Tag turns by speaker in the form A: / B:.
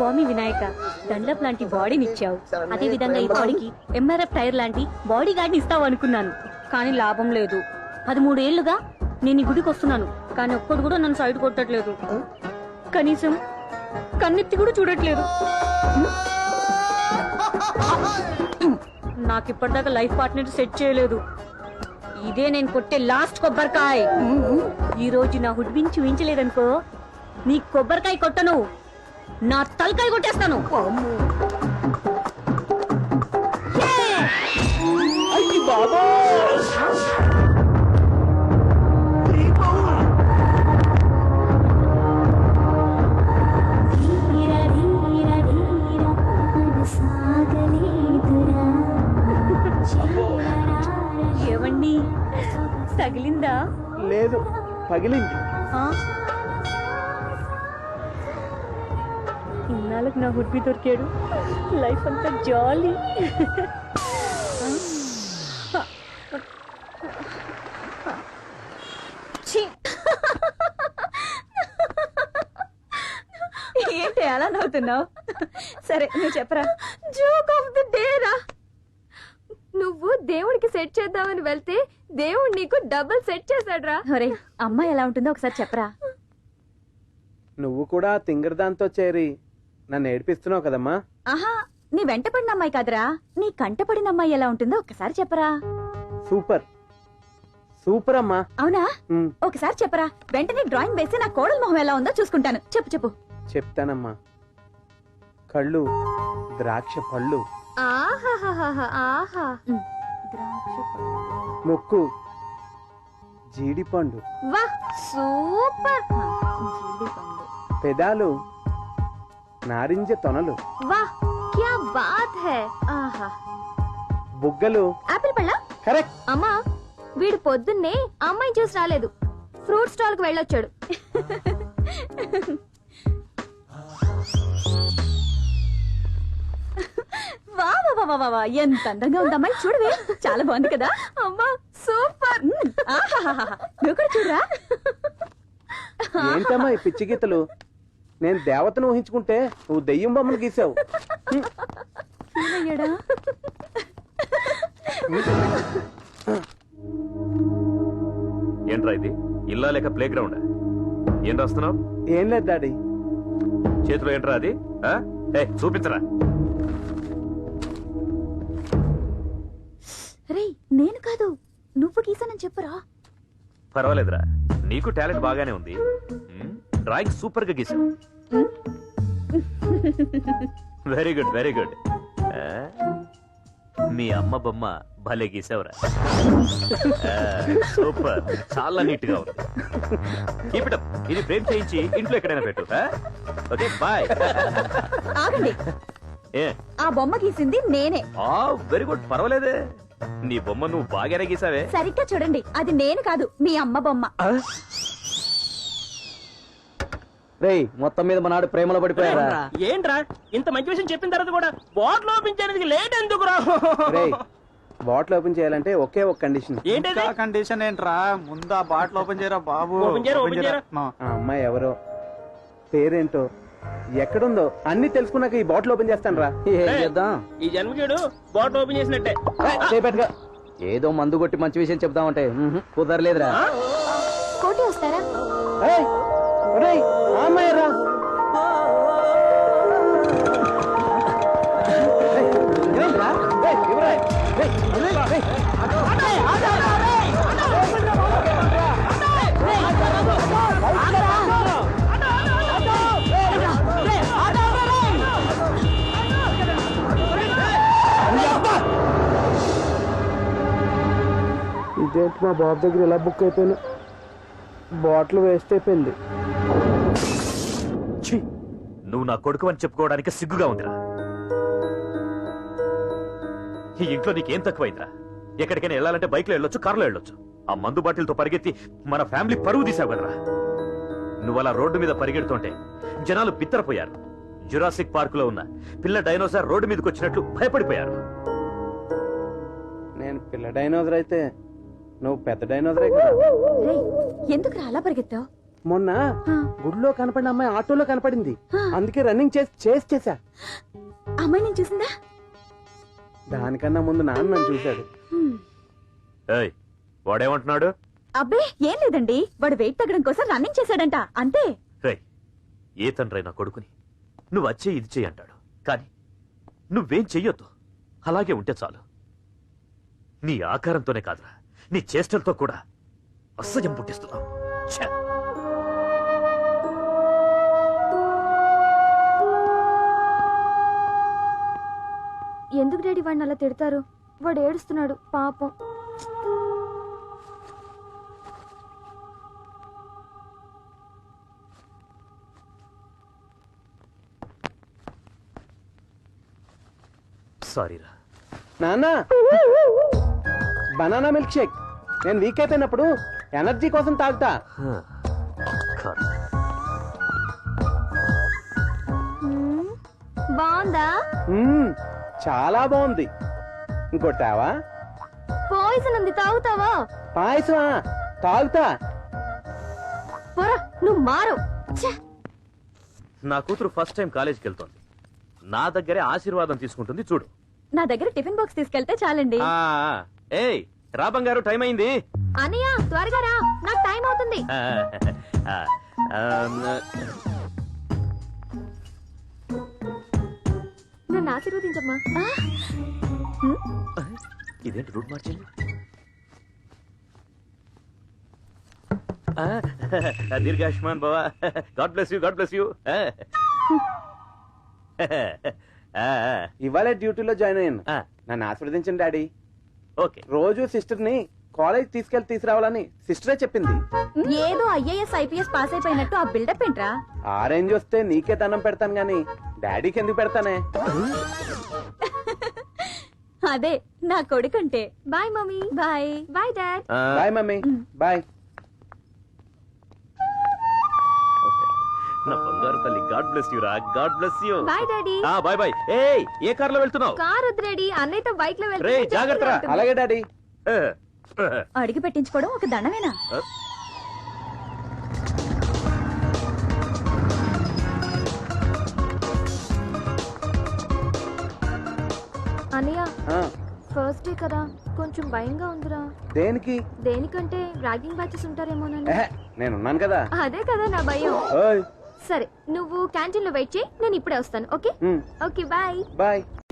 A: స్వామి వినాయక, దండప్ లాంటి బాడీని ఇచ్చావు. అదే విధంగా ఈ బాడీకి ఎంఆర్ఎఫ్ టైర్ లాంటి బాడీ గార్డ్ని ఇస్తావు అనుకున్నాను, కానీ లాభం లేదు. 13 ఏళ్లుగా నేను ఈ గుడికి వస్తున్నాను, కానీ ఒక్కడు కూడా నన్ను సైడ్ కొట్టట్లేదు. కనీసం కన్నెత్తి కూడా చూడట్లేదు. నాకు ఇప్పటిదాకా లైఫ్ పార్ట్నర్ సెట్ చేయలేదు. ఇదే నేను కొట్టే లాస్ట్ కొబ్బరికాయ. ఈ రోజు నా హుడ్బిన్ చూపించలేదనుకో, నీ కొబ్బరికాయ కొట్టను, నా తలకాయ కొట్టేస్తాను. ఏవండి, తగిలిందా?
B: లేదు, పగిలింది.
A: ఇన్నాళ్ళకి నా హుడ్బి దొరికాడు. లైఫ్ అంతా జాలీ.
C: ఏంటి అలా నవ్వుతున్నావు? సరే నువ్వు చెప్పరా. జోక్ ఆఫ్ ది డే రా. నువ్వు దేవుడికి సెట్ చేద్దామని వెళ్తే దేవుడు నీకు డబుల్ సెట్ చేశాడు రా. అమ్మాయి ఎలా ఉంటుందో ఒకసారి చెప్పరా.
B: నువ్వు కూడా తింగరదాంతో చేరి నన్ను ఏడిపిస్తున్నావు కదమ్మా.
C: ఆహా, నీ వెంట పడిన అమ్మాయి కాదురా, నీ కంట పడిన అమ్మాయి ఎలా ఉంటుందో ఒకసారి చెప్పరా.
B: సూపర్ సూపర్ అమ్మా.
C: అవునా? ఒకసారి చెప్పరా. వెంటనే డ్రాయింగ్ వేసి నా కోడల మొహం ఎలా ఉందో చూసుకుంటాను. చెప్పు చెప్పు.
B: చెప్తానమ్మా. కళ్ళు ద్రాక్ష పళ్ళు, ముక్కు జీడిపండు,
C: సూపర్.
B: పెదాలు నారింజ తొనలు,
C: క్యా బాత్ హై. ఆహా.
B: బుగ్గలు
C: ఆపిల్ పళ్ళ.
B: కరెక్ట్.
C: అమ్మా, వీడు పొద్దున్నే అమ్మాయి చూసి రాలేదు, ఫ్రూట్ స్టాల్ కు వెళ్ళొచ్చాడు. ఎంత అందంగా ఉంది అమ్మాయి, చూడవే. చాలా బాగుంది కదా. అమ్మా సూపర్. నువ్వు కూడా చూడరా.
B: ఏంటమ్మా ఈ పిచ్చి గీతలు? నేను దేవతను ఊహించుకుంటే నువ్వు దెయ్యం బొమ్మను గీసావు.
D: ఏంట్రా ఇది? ఇల్లా లేక ప్లే గ్రౌండ్? ఏం రాస్తున్నావు?
B: ఏం లేదు డాడీ.
D: చేతిలో ఏంట్రా అది? చూపించరా.
C: రే, నేను కాదు, నువ్వు గీసానని చెప్పరా.
D: పర్వాలేదురా, నీకు టాలెంట్ బాగానే ఉంది. డ్రాయింగ్ సూపర్ గా గీసావు. Very good very good. మీ అమ్మ బొమ్మ భలే గీసావురా. సూపర్, చాలా నీట్ గా ఉంది. Keep it up. ఇది ఫ్రేమ్ చేయించి ఇంట్లో ఎక్కడైనా పెట్టు. Okay bye.
C: ఆగండి. ఆ బొమ్మ గీసింది నేనే.
D: వెరీ గుడ్, పర్వాలేదే. నీ బొమ్మ నువ్వు బాగానే గీసావే.
C: సరిగ్గా చూడండి, అది నేను కాదు, మీ అమ్మ బొమ్మ.
E: రేయ్, మొత్తం మీద మనాడు ప్రేమలో పడిపోయారా?
F: ఏంట్రా ఇంత మంచి విషయం చెప్పిన తర్వాత కూడా బాటిల్ ఓపెన్ చేయడానికి లేట్ ఎందుకు రా?
B: బాటిల్ ఓపెన్ చేయాలంటే ఒకే ఒక కండిషన్.
F: ఏంటి
E: కండిషన్? ఏంట్రా, ముందు ఆ బాటిల్ ఓపెన్ చేయరా బాబు.
B: ఆ అమ్మాయి ఎవరో, పేరేంటో, ఎక్కడుందో అన్ని తెలుసుకున్నాక ఈ బాటిల్ ఓపెన్ చేస్తాను రా.
F: ఈ జన్మకేడు బాటిల్ ఓపెన్ చేసినట్టే.
E: ఏదో మందు కొట్టి మంచి విషయం చెప్దామంటే కుదరలేదురా.
C: కోటి వస్తారా?
B: అమ్మాయి రా. ఇదేంటి మా బాబు దగ్గర ఇలా బుక్ అయిపోయినా, బాటిల్ వేస్ట్ అయిపోయింది.
D: నువ్వు నా కొడుకు అని చెప్పుకోవడానికి సిగ్గుగా ఉందిరా. ఈ ఇంట్లో నీకేం తక్కువైందిరా? ఎక్కడికైనా వెళ్ళాలంటే బైక్ లో వెళ్ళొచ్చు, కారులో వెళ్ళొచ్చు. ఆ మందు బాటిల్తో పరిగెత్తి మన ఫ్యామిలీ పరువు తీసావు కదరా. నువ్వు అలా రోడ్డు మీద పరిగెడుతుంటే జనాలు బిత్తరపోయారు. జురాసిక్ పార్క్ లో ఉన్న పిల్ల డైనోసార్ రోడ్డు మీదకి వచ్చినట్లు భయపడిపోయారు.
B: నేను పిల్ల డైనోసర్ అయితే నువ్వు పెద్ద డైనోసరే కదా.
C: ఎందుకు అలా పరిగెత్తావు?
B: మొన్న గుడిలో కనపడిన అమ్మాయి ఆటోలో కనపడింది. అందుకే రన్నింగ్ చేసా.
C: అమ్మాయి నేను చూసిందా?
B: దానికన్నా ముందు నాన్న నన్ను చూశాడు.
D: ఏయ్ వాడేమంటున్నాడు?
C: అబ్బే ఏం లేదండి, వాడు వెయిట్ తగ్గడం కోసం రన్నింగ్ చేశాడంట, అంతే.
D: రేయ్ ఏ తండ్రి నా కొడుకుని నువ్వు వచ్చే ఇది చెయ్యి అంటాడు, కానీ నువ్వేం చెయ్యొద్దు. అలాగే ఉంటే చాలు. నీ ఆకారంతోనే కాదురా, నీ చేష్టలతో కూడా అసహ్యం పుట్టిస్తున్నావు. ఛే!
C: ఎందుకు డాడీ వాడిని అలా తిడతారు? వాడు ఏడుస్తున్నాడు పాపం.
D: సారీరా.
B: నాన్న బనానా మిల్క్ షేక్. నేను వీక్ అయిపోయినప్పుడు ఎనర్జీ కోసం తాగుతా.
D: కాదు.
C: బాగుందా?
B: చాలా బాగుంది. ఇంకొట్టావా?
C: పాయిజన్ ఉంది, తాగుతావా?
B: పాయసమా? తాగుతా.
C: పోరా, నువ్వు మారు.
D: నా కూతురు ఫస్ట్ టైం కాలేజీకి వెళ్తోంది. నా దగ్గరే ఆశీర్వాదం తీసుకుంటుంది చూడు.
C: నా దగ్గర టిఫిన్ బాక్స్ తీసుకెళ్తే చాలండి.
D: ఏయ్ రా బంగారు, టైం అయింది.
C: అన్నయ్య త్వరగా రా, నాకు టైం అవుతుంది. నన్ను ఆశీర్వదించమ్మా.
D: ఇదేంటి రూట్ మార్చింది? దీర్ఘాయుష్మాన్ బావా, God bless you, God bless you.
B: ఇవాళ డ్యూటీలో జాయిన్ అయ్యాను. నన్ను ఆశీర్వదించండి డాడీ.
D: ఓకే.
B: రోజు సిస్టర్ ని కాలేజ్ తీసుకురావాలని సిస్టరే చెప్పింది.
C: ఏదో ఐఏఎస్ ఐపీఎస్ పాస్ అయిపోయినట్టు ఆ బిల్డప్ ఏంట్రా?
B: ఆ రేంజ్ వస్తే నీకే దండం పెడతాను గాని డాడీకి ఎందుకు పెడతానే?
C: అదే నా కొడుకంటే. Bye mummy. Bye bye dad.
B: Bye mummy. Bye.
D: నా బంగారు తల్లి, గాడ్ బ్లెస్ యూ రా, God bless you.
C: Bye daddy.
D: Bye bye. ఏయ్ ఏ కార్లో వెళ్తున్నావు?
C: కార్ వద్దు డాడీ, అన్నయ్యతో బైక్ లో
D: రే జాగ్రత్త రా.
B: అలాగే డాడీ.
C: అడిగి పెట్టించుకోవడం ఒక దండమేనా? అన్నయ్య ఫస్ట్ డే కదా, కొంచెం భయంగా ఉందిరా.
B: దేనికి?
C: దేనికంటే ర్యాగింగ్ బ్యాచెస్ ఉంటారేమోనని.
B: నేనున్నాను కదా.
C: అదే కదా నా భయం.
B: ఓయ్
C: సరే నువ్వు క్యాంటీన్ లో వెయిట్ చేయి, నేను ఇప్పుడే వస్తాను. Okay okay bye.
B: బాయ్.